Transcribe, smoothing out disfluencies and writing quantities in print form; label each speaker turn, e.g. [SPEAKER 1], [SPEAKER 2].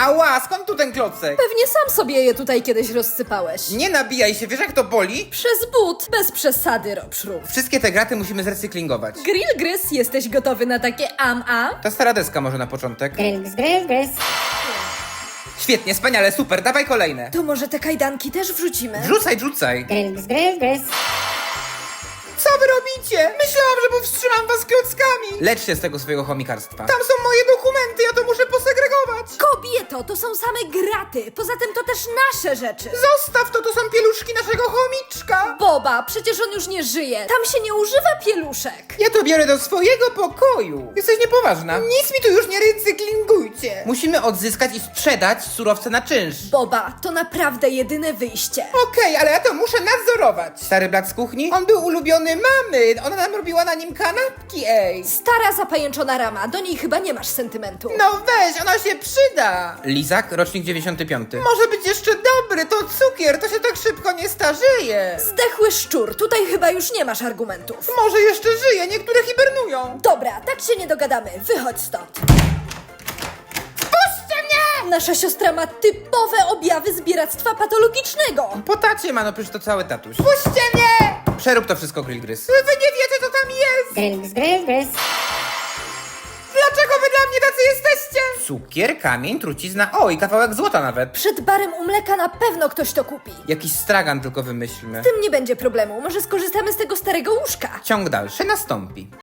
[SPEAKER 1] Ała, skąd tu ten klocek?
[SPEAKER 2] Pewnie sam sobie je tutaj kiedyś rozsypałeś.
[SPEAKER 1] Nie nabijaj się, wiesz jak to boli?
[SPEAKER 2] Przez but, bez przesady, Robszru.
[SPEAKER 1] Wszystkie te graty musimy zrecyklingować.
[SPEAKER 2] Grill Gryz, jesteś gotowy na takie am-am?
[SPEAKER 1] Ta stara deska może na początek.
[SPEAKER 3] Grylls.
[SPEAKER 1] Świetnie, wspaniale, super, dawaj kolejne.
[SPEAKER 2] To może te kajdanki też wrzucimy?
[SPEAKER 1] Rzucaj.
[SPEAKER 3] Grylls.
[SPEAKER 1] Co wy robicie? Myślałam, że powstrzymam was klockami. Lecz się z tego swojego chomikarstwa. Tam są moje dokumenty, ja to muszę posegregować.
[SPEAKER 2] Kobieto, to są same graty. Poza tym to też nasze rzeczy.
[SPEAKER 1] Zostaw to, to są pieluszki naszego chomiczka.
[SPEAKER 2] Boba, przecież on już nie żyje. Tam się nie używa pieluszek.
[SPEAKER 1] Ja to biorę do swojego pokoju. Jesteś niepoważna. Nic mi tu już nie recyklingujcie. Musimy odzyskać i sprzedać surowce na czynsz.
[SPEAKER 2] Boba, to naprawdę jedyne wyjście.
[SPEAKER 1] Okej, ale ja to muszę nadzorować. Stary brat z kuchni? On był ulubiony mamy. Ona nam robiła na nim kanapki, ej.
[SPEAKER 2] Stara zapajęczona rama, do niej chyba nie masz sentymentu.
[SPEAKER 1] No weź, ona się przyda. Lizak, rocznik 95. Może być jeszcze dobry, to cukier, to się tak szybko nie starzeje.
[SPEAKER 2] Zdechły szczur, tutaj chyba już nie masz argumentów.
[SPEAKER 1] Może jeszcze żyje, niektóre hibernują.
[SPEAKER 2] Dobra, tak się nie dogadamy, wychodź stąd.
[SPEAKER 1] Puśćcie mnie!
[SPEAKER 2] Nasza siostra ma typowe objawy zbieractwa patologicznego.
[SPEAKER 1] Po tacie ma, no przecież to cały tatuś. Puśćcie mnie! Przerób to wszystko, Grill Gryz. Wy nie wiecie, co tam jest!
[SPEAKER 3] Grylls.
[SPEAKER 1] Dlaczego wy dla mnie tacy jesteście? Cukier, kamień, trucizna, o i kawałek złota nawet.
[SPEAKER 2] Przed barem u mleka na pewno ktoś to kupi.
[SPEAKER 1] Jakiś stragan tylko wymyślmy.
[SPEAKER 2] Z tym nie będzie problemu, może skorzystamy z tego starego łóżka.
[SPEAKER 1] Ciąg dalszy nastąpi.